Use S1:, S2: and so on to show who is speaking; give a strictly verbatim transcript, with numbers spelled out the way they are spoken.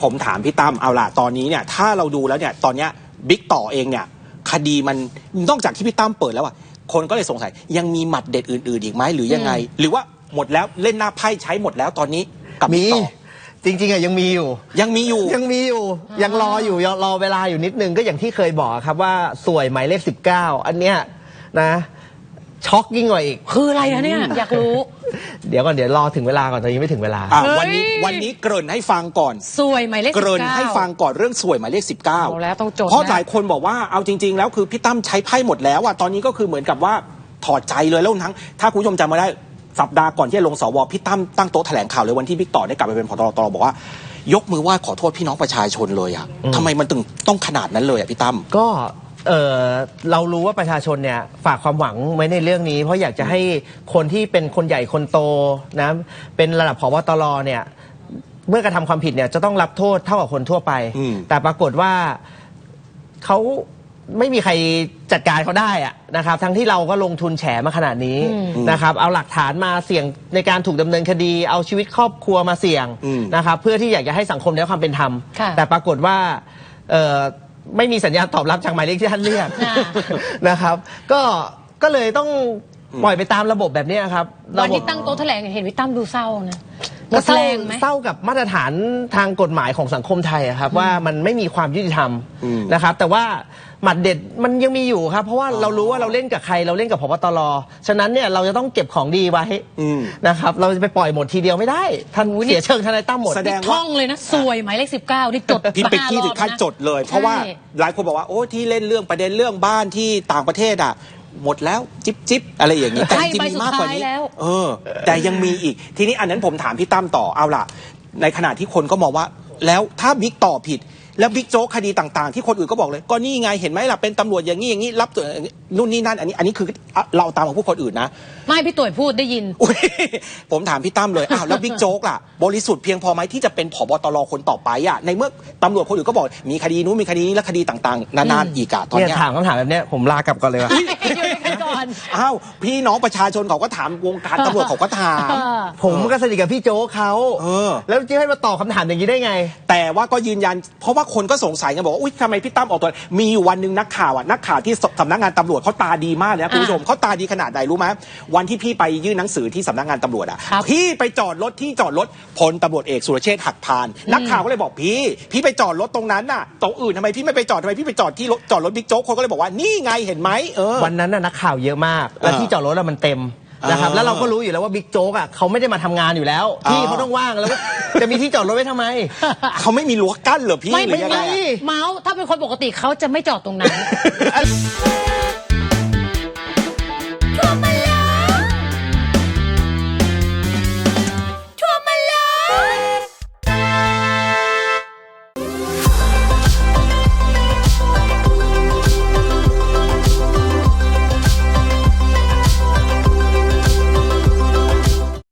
S1: ผมถามพี่ตั้มเอาล่ะตอนนี้เนี่ยถ้าเราดูแล้วเนี่ยตอนเนี้ยบิ๊กต่อเองเนี่ยคดีมันนอกจากที่พี่ตั้มเปิดแล้วอ่ะคนก็เลยสงสัยยังมีหมัดเด็ดอื่นๆอีกไหมหรือยังไงหรือว่าหมดแล้วเล่นหน้าไพ่ใช้หมดแล้วตอนนี้กับบิ๊กต่อ
S2: จริงๆอะยังมีอยู่
S1: ยังมีอยู่
S2: ยังมีอยู่ยังรออยู่ยังรอเวลาอยู่นิดนึงก็อย่างที่เคยบอกครับว่าสวยหมายเลขสิบเก้าอันเนี้ยนะช็อกยิ่งกว่าอีก
S3: คืออะไรอะเนี่ยอยากรู้
S2: เดี๋ยวก่อนเดี๋ยวรอถึงเวลาก่อนตอนนี้ไม่ถึงเวลา
S1: วันนี้วันนี้เกริ่นให้ฟังก่อน
S3: สวยหมายเลขสิบเก้าเกริ่น
S1: ให้ฟังก่อนเรื่องสวยหมายเลขสิบเก้า
S3: แล้วต้องจด
S1: เพราะหลายคนบอกว่าเอาจริงๆแล้วคือพี่ตั้มใช้ไพ่หมดแล้วอะตอนนี้ก็คือเหมือนกับว่าถอดใจเลยแล้วทั้งถ้าคุณผู้ชมจำมาได้สัปดาห์ก่อนที่จะลงสวพี่ตั้มตั้งโต๊ะแถลงข่าวเลยวันที่บิ๊กต่อได้กลับไปเป็นผอ.ตร.บอกว่ายกมือไหว้ขอโทษพี่น้องประชาชนเลยอะทำไมมันถึงต้องขนาดนั้นเลยอะพี่ตั้ม
S2: ก็เออเรารู้ว่าประชาชนเนี่ยฝากความหวังไว้ในเรื่องนี้เพราะอยากจะให้คนที่เป็นคนใหญ่คนโตนะเป็นระดับผบ.ตร.เนี่ยเมื่อกระทำความผิดเนี่ยจะต้องรับโทษเท่ากับคนทั่วไปแต่ปรากฏว่าเขาไม่มีใครจัดการเขาได้อะนะครับทั้งที่เราก็ลงทุนแฉมาขนาดนี้นะครับเอาหลักฐานมาเสี่ยงในการถูกดำเนินคดีเอาชีวิตครอบครัวมาเสี่ยงนะครับเพื่อที่อยากจะให้สังคมได้ความเป็นธรรมแต่ปรากฏว่าไม่มีสัญญาณตอบรับจากหมายเลขที่ท่านเรียกนะครับก็ก็เลยต้องปล่อยไปตามระบบแบบนี้ครับ
S3: วันที่ตั้งโต๊ะแถลงเห็นพี่ตั้มดูเศร้านะ
S2: ก็เศร้าเศร้ากับมาตรฐานทางกฎหมายของสังคมไทยครับว่ามันไม่มีความยุติธรรมนะครับแต่ว่าหมัดเด็ดมันยังมีอยู่ครับเพราะว่าเรารู้ว่าเราเล่นกับใครเราเล่นกับผบ.ตร.ฉะนั้นเนี่ยเราจะต้องเก็บของดีไว้นะครับเราจะไปปล่อยหมดทีเดียวไม่ได้ท่านเสียเชิงทนายตั้มหมด
S3: แสดงท่องเลยนะสวยหมายเลขสิบเก้าที่จด
S1: พี่เป็กกี้ถึงขั้นจดเลยเพราะว่าหลายคนบอกว่าโอ้ที่เล่นเรื่องประเด็นเรื่องบ้านที่ต่างประเทศอ่ะหมดแล้วจิ๊บจิ๊บอะไรอย่างนี้แต่จริงมีมากกว่านี้เออแต่ยังมีอีกทีนี้อันนั้นผมถามพี่ตั้มต่อเอาล่ะในขณะที่คนก็มองว่าแล้วถ้าบิ๊กต่อผิดแล้วบิ๊กโจ๊กคดีต่างๆที่คนอื่นก็บอกเลยก็นี่ไงเห็นไหมล่ะเป็นตำรวจอย่างนี้อย่างนี้รับตัวนู่นนี่นั่นอันนี้อันนี้คือเราตามของผู้คนอื่นนะ
S3: ไม่พี่ตุ๋ยพูดได้ยิน
S1: ผมถามพี่ตั้มเลยอ้าวแล้วบิ๊กโจ๊กล่ะบริสุทธิ์เพียงพอไหมที่จะเป็นผบ.ตร.คนต่อไปอ่ะในเมื่อตำรวจคนอื่นก็บอกมีคดีนู้นมีคดีนี้และคดีต่างๆนานาอีกอะตอนนี้
S2: ถามคำถามแบบนี้ผมลากลับก่อนเลยว่ะ
S1: อ้าวพี่น้องประชาชนเขาก็ถามวงการตำรวจเขาก็ถาม
S2: ผมก็สนิทกับพี่โจ๊กเขาแล้วจะให้มาตอบคำถามอย่างนี้ได้ไง
S1: แต่ว่าก็ยืนยันเพราะว่าคนก็สงสัยกันบอกว่าอุ้ยทำไมพี่ตั้มออกตัวมีอยู่วันหนึ่งนักข่าวอ่ะนักข่าวที่สำนักงานตำรวจเขาตาดีมากเลยนะคุณผู้ชมเขาตาดีขนาดไหนรู้ไหมวันที่พี่ไปยื่นหนังสือที่สำนักงานตำรวจอ่ะพี่ไปจอดรถที่จอดรถพลตำรวจเอกสุรเชษฐ์หักพานนักข่าวก็เลยบอกพี่พี่ไปจอดรถตรงนั้นน่ะตรงอื่นทำไมพี่ไม่ไปจอดทำไมพี่ไปจอดที่รถจอดรถบิ๊กโจ๊กคนก็เลยบอกว่านี่ไงเห็นไหมเออ
S2: วันนั้นน่ะนักข่าวเยอะมากแล้วที่จอดรถมันเต็มนะครับแล้วเราก็รู้อยู่แล้วว่าบิ๊กโจ๊กอ่ะเขาไม่ได้มาทำงานอยู่แล้วที่เขาต้องว่างแล้วจะมีที่จอดรถไว้ทำไม
S1: เขาไม่มีรั้วกั้นเหรอพี่
S3: ไม่ไม่เมาส์ถ้าเป็นคนปกติเขาจะไม่จอดตรงนั้น